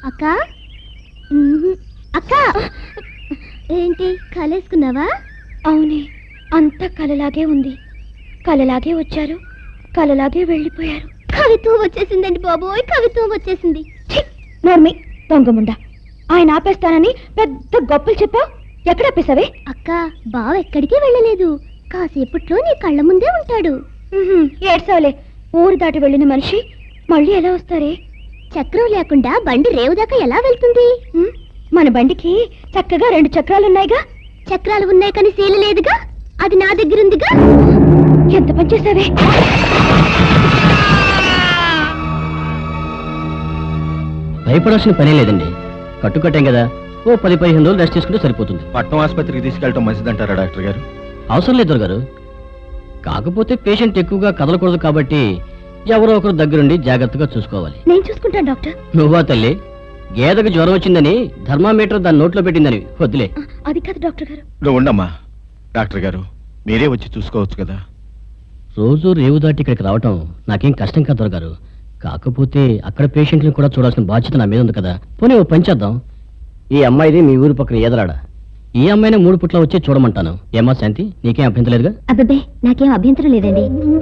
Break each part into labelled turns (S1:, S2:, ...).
S1: అక్క అక్క ఏంటి కలేసుకున్నావా?
S2: అవునే, అంతా కలలాగే ఉంది. కలలాగే వచ్చారు, కలలాగే వెళ్ళిపోయారు.
S1: కవిత్వం వచ్చేసిందండి బాబోయ్, కవిత్వం వచ్చేసింది.
S2: నోర్మి దొంగముండా, ఆయన ఆపేస్తానని పెద్ద గొప్పలు చెప్పావు. ఎక్కడ ఆపేసావే?
S1: అక్క బావ ఎక్కడికి వెళ్ళలేదు, కాసేపట్లో నీ కళ్ళ ముందే ఉంటాడు.
S2: ఏడ్సావులే, ఊరు దాటి వెళ్ళిన మనిషి మళ్ళీ ఎలా వస్తారే?
S1: చక్రం లేకుండా బండి రేవు దాకా ఎలా వెళ్తుంది?
S2: మన బండికి చక్కగా 2 చక్రాలున్నాయిగా.
S1: చక్రాలు ఉన్నాయి కానీ శీల లేదుగా, అది నా దగ్గరుందిగా.
S2: ఎంత పని చేసావే?
S3: భయపడాల్సిన పనే లేదండి, కట్టుకట్టాం కదా, ఓ 10-15 రోజులు రెస్ట్ తీసుకుంటే సరిపోతుంది.
S4: పట్నం ఆసుపత్రికి తీసుకెళ్ళటం మంచిదంటారా డాక్టర్ గారు?
S3: అవసరం లేదు దొరగారు, కాకపోతే పేషెంట్ ఎక్కువగా కదలకూడదు కాబట్టి ఎవరో ఒకరు దగ్గరుండి జాగ్రత్తగా చూసుకోవాలి.
S2: నేను చూసుకుంటాను డాక్టర్.
S3: నువ్వా తల్లి, గేదకు జ్వరం వచ్చిందని థర్మామీటర్ దాని నోట్లో పెట్టిందని వద్దులే.
S2: అది కాదు డాక్టర్ గారు.
S4: నువ్వు ఉండమ్మా, డాక్టర్ గారు మీరే వచ్చి చూసుకోవచ్చు కదా.
S3: రోజు రేవు దాటి ఇక్కడికి రావటం నాకేం కష్టం కాదు దొరగారు, కాకపోతే అక్కడ పేషెంట్లను కూడా చూడాల్సిన బాధ్యత నా మీద ఉంది కదా. పోనీ ఓ పని చేద్దాం, ఈ అమ్మాయిది మీ ఊరి పక్కన ఏదలాడ, ఈ అమ్మాయిని 3 పుట్ల వచ్చి చూడమంటాను. ఏమా శాంతి, నీకేం అభ్యంతరం లేదుగా?
S1: అబ్బే నాకేం అభ్యంతరం లేదండి.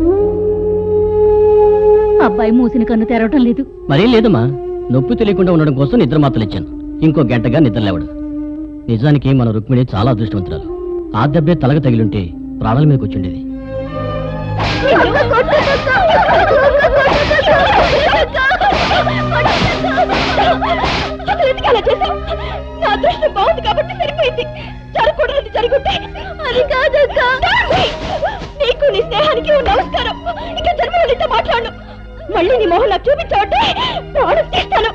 S2: అబ్బాయి మూసిన కన్ను తెరవటం లేదు.
S3: మరేం లేదమ్మా, నొప్పి తెలియకుండా ఉండడం కోసం నిద్ర మాత్రలు ఇచ్చాను. ఇంకో గంటగా నిద్ర లేవడు. నిజానికి మన రుక్మిణి చాలా అదృష్టవంతురాలు. ఆ దెబ్బే తలగ తగిలుంటే ప్రాణాల మీదకి వచ్చిండేది.
S2: బాగుంది కాబట్టి సరిపోయింది. జరగకూడదు జరుగుతే అది కాదక్క. నీకు నీ స్నేహానికి నమస్కారం. ఇక జన్మలతో మాట్లాడు. మళ్ళీ నీ మొహం నాకు చూపించబట్టే ప్రాణం తీస్తాను.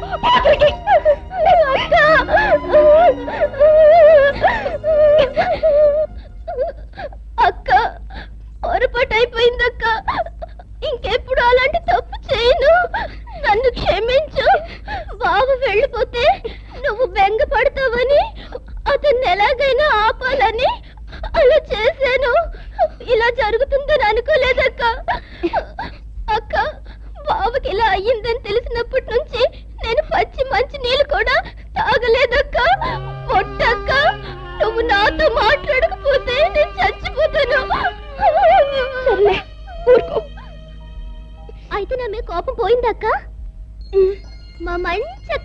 S1: అక్క పొరపాటు అయిపోయిందక్క, ఇంకెప్పుడు అలాంటి తప్పు చేయను. నన్ను క్షమించు. బావ వెళ్ళిపోతే నువ్వు బెంగ పడతావని, అతన్ని ఎలాగైనా ఆపాలని అలా చేశాను. ఇలా జరుగుతుందని అనుకోలేదక్క. అక్క బావకి ఇలా అయ్యిందని తెలిసినప్పటి నుంచి నేను పచ్చి మంచి నీళ్ళు కూడా తాగలేదక్క. పొట్టక్క, నువ్వు నాతో మాట్లాడకపోతే నేను చచ్చిపోతాను. అయితే నా మీద కోపం పోయిందక్క? మా మంచక్క.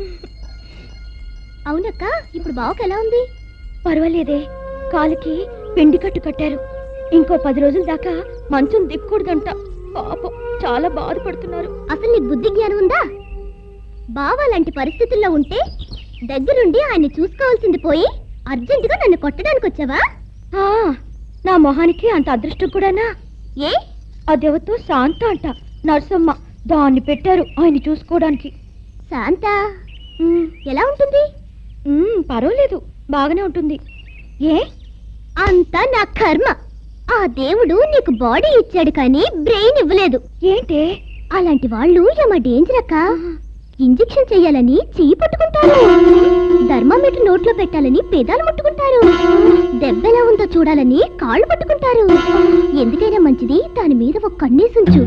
S1: అవునక్క, ఇప్పుడు బావకి ఎలా ఉంది?
S2: పర్వాలేదే, కాలుకి పిండి కట్టు కట్టారు. ఇంకో 10 రోజుల దాకా మంచం దిక్కూడదంట. పాపం చాలా బాధపడుతున్నారు.
S1: అసలు నీకు బుద్ధి జ్ఞానం ఉందా? బావ లాంటి పరిస్థితుల్లో ఉంటే దగ్గరుండి ఆయన్ని చూసుకోవాల్సింది పోయి అర్జెంటుగా నన్ను కొట్టడానికి వచ్చావా?
S2: నా మొహానికి అంత అదృష్టం కూడానా?
S1: ఏ
S2: అదేవతో శాంత అంట, నర్సమ్మ. దాన్ని పెట్టారు ఆయన చూసుకోవడానికి.
S1: శాంత ఎలా ఉంటుంది?
S2: పర్వాలేదు, బాగానే ఉంటుంది. ఏ
S1: అంతా నా కర్మ. ఆ దేవుడు నీకు బాడీ ఇచ్చాడు కానీ బ్రెయిన్ ఇవ్వలేదు.
S2: ఏంటే
S1: అలాంటి వాళ్ళు ఏమా డేంజర్ అక్క. ఇంజెక్షన్ చెయ్యాలని చెయ్యి పట్టుకుంటారు, థర్మామీటర్ నోట్లో పెట్టాలని పెదాలు ముట్టుకుంటారు, దెబ్బెలా ఉందో చూడాలని కాళ్ళు పట్టుకుంటారు. ఎందుకైనా మంచిది దాని మీద ఒక కన్నేసుంచు.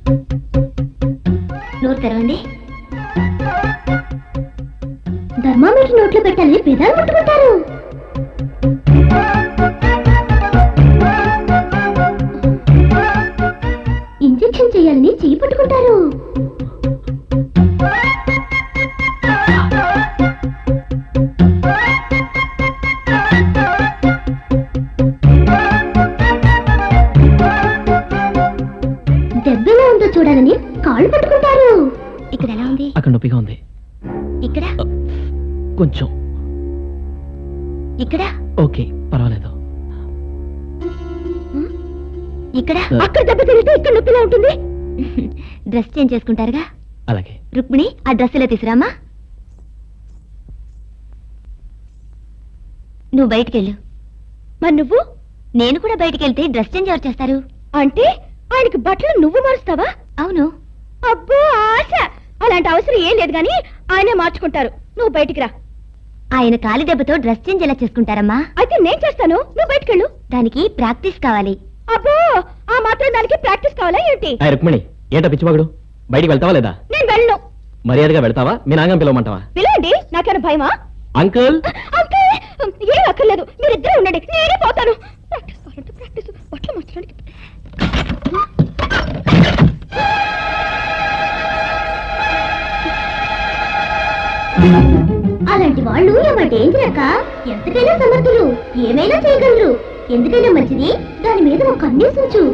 S1: నోరు తెరవండి. థర్మామీటర్ నోట్లో పెట్టాలని పెదాలు ముట్టుకుంటారు. ఇంజెక్షన్ చేయాలని చెయ్యి పట్టుకుంటారు. దెబ్బలా ఉందో చూడాలని కాళ్ళు పట్టుకుంటారు. ఇక్కడ ఎలా ఉంది?
S3: అక్కడ నొప్పిగా ఉంది.
S1: ఇక్కడ
S3: కొంచెం.
S1: ఇక్కడ
S3: ఓకే, పర్వాలేదు.
S1: ఇక్కడ
S2: అక్కడ దెబ్బ తిరిగితే ఇక్కడ నొప్పిలా ఉంటుంది.
S1: డ్రెస్ చేంజ్ చేసుకుంటారుగా.
S3: అలాగే.
S1: రుక్మిణి, ఆ డ్రెస్ ఇలా తీసురామా. నువ్వు బయటికెళ్ళు.
S2: మరి నువ్వు?
S1: నేను కూడా బయటికెళ్తే డ్రెస్ చేంజ్ ఎవరు చేస్తారు?
S2: అంటే ఆయనకి బట్టలు నువ్వు మారుస్తావా?
S1: అవును.
S2: అబ్బో ఆశ, అలాంటి అవసరం ఏం లేదు గాని ఆయనే మార్చుకుంటారు. నువ్వు బయటికి రా.
S1: ఆయన కాలి దెబ్బతో డ్రెస్ చేంజ్ ఎలా చేసుకుంటారమ్మా?
S2: అయితే నేను చేస్తాను, నువ్వు బయటికెళ్ళు.
S1: దానికి ప్రాక్టీస్ కావాలి.
S2: అబ్బో, ఆ మాత్రం దానికి ప్రాక్టీస్ కావాలా ఏంటి?
S3: రుక్మిణి, ఏంటో పిచ్చివాగుడు, బయటికి వెళ్తావా లేదా?
S2: నేను వెళ్ళను.
S3: మర్యాదగా వెళ్తావా మీ నాన్న పిలవమంటావా?
S2: పిలవండి, నాకేమైనా భయమా?
S3: అంకుల్
S2: అంకుల్, ఏం అక్కర్లేదు, మీరిద్దరే ఉండండి, నేనే పోతాను. ప్రాక్టీస్ కావాలంటే ప్రాక్టీస్, బట్టలు మార్చడానికి.
S1: అలాంటి వాళ్ళు ఏమో డేంజర్ అక్క. ఎంతకైనా సమర్థులు, ఏమైనా చేయగలరు. ఎందుకైనా మంచిది దాని మీద ఒక కన్నేసి ఉంచు.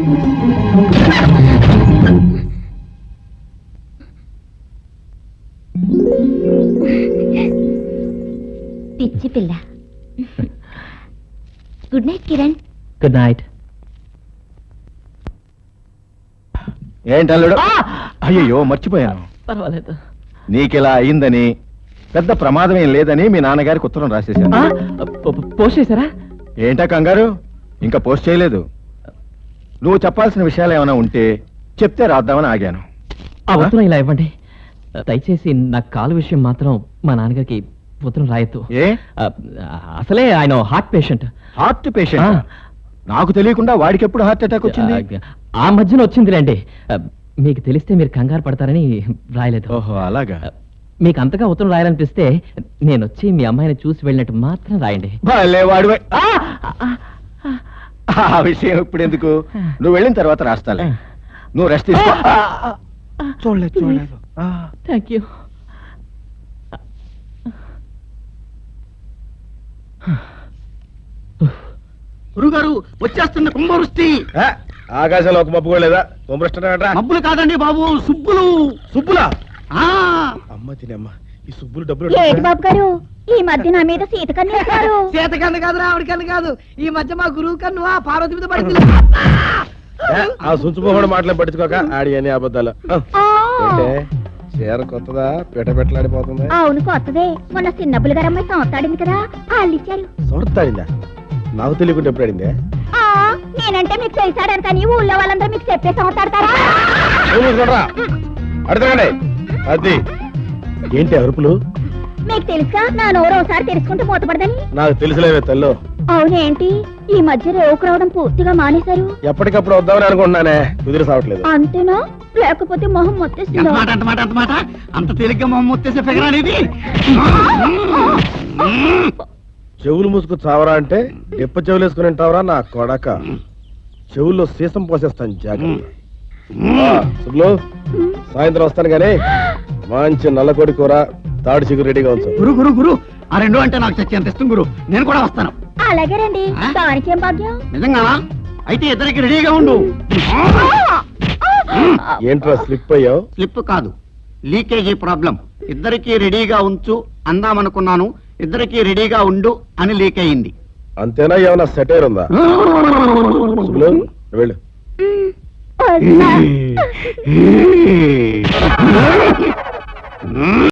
S1: పిచ్చి పిల్ల. Good night Kiran.
S3: Good night.
S4: ఏంటల్లుడు? అయ్యో మర్చిపోయాను.
S3: పర్వాలేదు.
S4: నీకిలా అయిందని, పెద్ద ప్రమాదం ఏం లేదని మీ నాన్నగారికి ఉత్తరం రాసేశాను.
S3: పోస్ట్ చేశారా?
S4: ఏంటా కంగారు, ఇంకా పోస్ట్ చేయలేదు. నువ్వు చెప్పాల్సిన విషయాలు ఏమైనా ఉంటే చెప్తే రాద్దామని ఆగాను.
S3: ఆ ఉత్తరం ఇలా ఇవ్వండి. దయచేసి నా కాలు విషయం మాత్రం మా నాన్నగారికి ఉత్తరం రాయొద్దు.
S4: ఏ?
S3: అసలే ఆయన హార్ట్ పేషెంట్.
S4: Heart patient? నాకు తెలియకుండా వాడికి ఎప్పుడు హార్ట్ అటాక్ వచ్చింది?
S3: ఆ మధ్యన వచ్చిందిలేండి. మీకు తెలిస్తే మీరు కంగారు పడతారని రాయలేదు.
S4: ఓహో అలాగా.
S3: మీకు అంతగా ఉత్తరం రాయాలనిపిస్తే నేను వచ్చి మీ అమ్మాయిని చూసి వెళ్ళినట్టు మాత్రం రాయండి.
S4: భలే వాడివే. ఆ విషయం ఇప్పుడు ఎందుకు, నువ్వు వెళ్ళిన తర్వాత రాస్తాలే. నువ్వు రెస్ట్ తీసుకో. చూడలేదు.
S3: Thank you.
S5: గురుగారు వచ్చేస్తున్న కుంభవృష్టి.
S4: ఆకాశంలో ఒక మబ్బు కూడా లేదా? కుంభవృష్టి
S5: మబ్బులు కాదండి బాబు, సుబ్బులు.
S4: సుబ్బులా?
S5: ఆ
S4: అమ్మ తినమ్మ, ఈ సుబ్బులు డబ్బులు
S2: ఏంటి బాబు గారు, ఈ మధ్య నా మీద సీత కన్నేశారు?
S5: చేత కన్ను కాదు, ఆవిడ కన్ను కాదు. ఈ మధ్య మా గురువు కన్ను ఆ పార్వతి మీద పడింది.
S4: ఆ సుంచుపోహడు మాటలు పట్టించుకోక ఆడి అని అబద్ధాలు. ఏంటే చీర కొత్తదా, పెట్టలాడిపోతుంది?
S2: అవును కొత్తదే, మొన్న చిన్నబ్బులు గారు అమ్మాయి సంవత్సరాడింది కదా, వాళ్ళు ఇచ్చారు.
S4: సొడతాడిందా? నాకు తెలియకుండా ఎప్పుడు ఆడిందే?
S2: నేనంటే మీకు చేశాడని కానీ ఊళ్ళో వాళ్ళందరూ మీకు చెప్పే సంవత్సరాడతారా?
S4: అడగండి. అది ఏంటి అరుపులు?
S2: మీకు తెలుసా నా నోరు ఒకసారి తెరుచుకుంటూ మూతపడదని?
S4: నాకు తెలిసిలేవే తల్లు.
S2: అవునేంటి ఈ మధ్య రేవుకు రావడం పూర్తిగా మానేశారు?
S4: ఎప్పటికప్పుడు వద్దామని అనుకుంటున్నానే, కుదిరి సావట్లేదు.
S2: అంతేనా, లేకపోతే మొహం మొత్తేస్తుందా?
S5: అంత అంత తేలిగ్గా మొహం వచ్చేసే ఫిగర్ అనేది.
S4: చెవులు మూసుకు చావరా అంటే డిప్ప చెవులు వేసుకుని ఉంటావరా నా కొడక. చెవుల్లో సీసం పోసేస్తాను జాగ్రత్త. శుభ్లు, సాయంత్రం వస్తాను గానీ మంచి నల్లకోడి కూర, తాడి చిగురు రెడీగా ఉంచు.
S5: గురు ఆ రెండు అంటే నాకు చచ్చేంత ఇష్టం గురు, నేను కూడా వస్తాను.
S2: అలాగే రండి, దానికేం భాగ్యం.
S5: నిజంగా? అయితే ఇద్దరికి రెడీగా ఉండు.
S4: ఏంట్రా స్లిప్ అయ్యావు?
S5: స్లిప్ కాదు, లీకేజీ ప్రాబ్లం. ఇద్దరికి రెడీగా ఉంచు అందామనుకున్నాను, ఇద్దరికి రెడీగా ఉండు అని లీక్ అయింది.
S4: అంతేనా, ఏమైనా సెటైర్ ఉందా? శుభ్లు వెళ్ళు.
S2: వస్తా.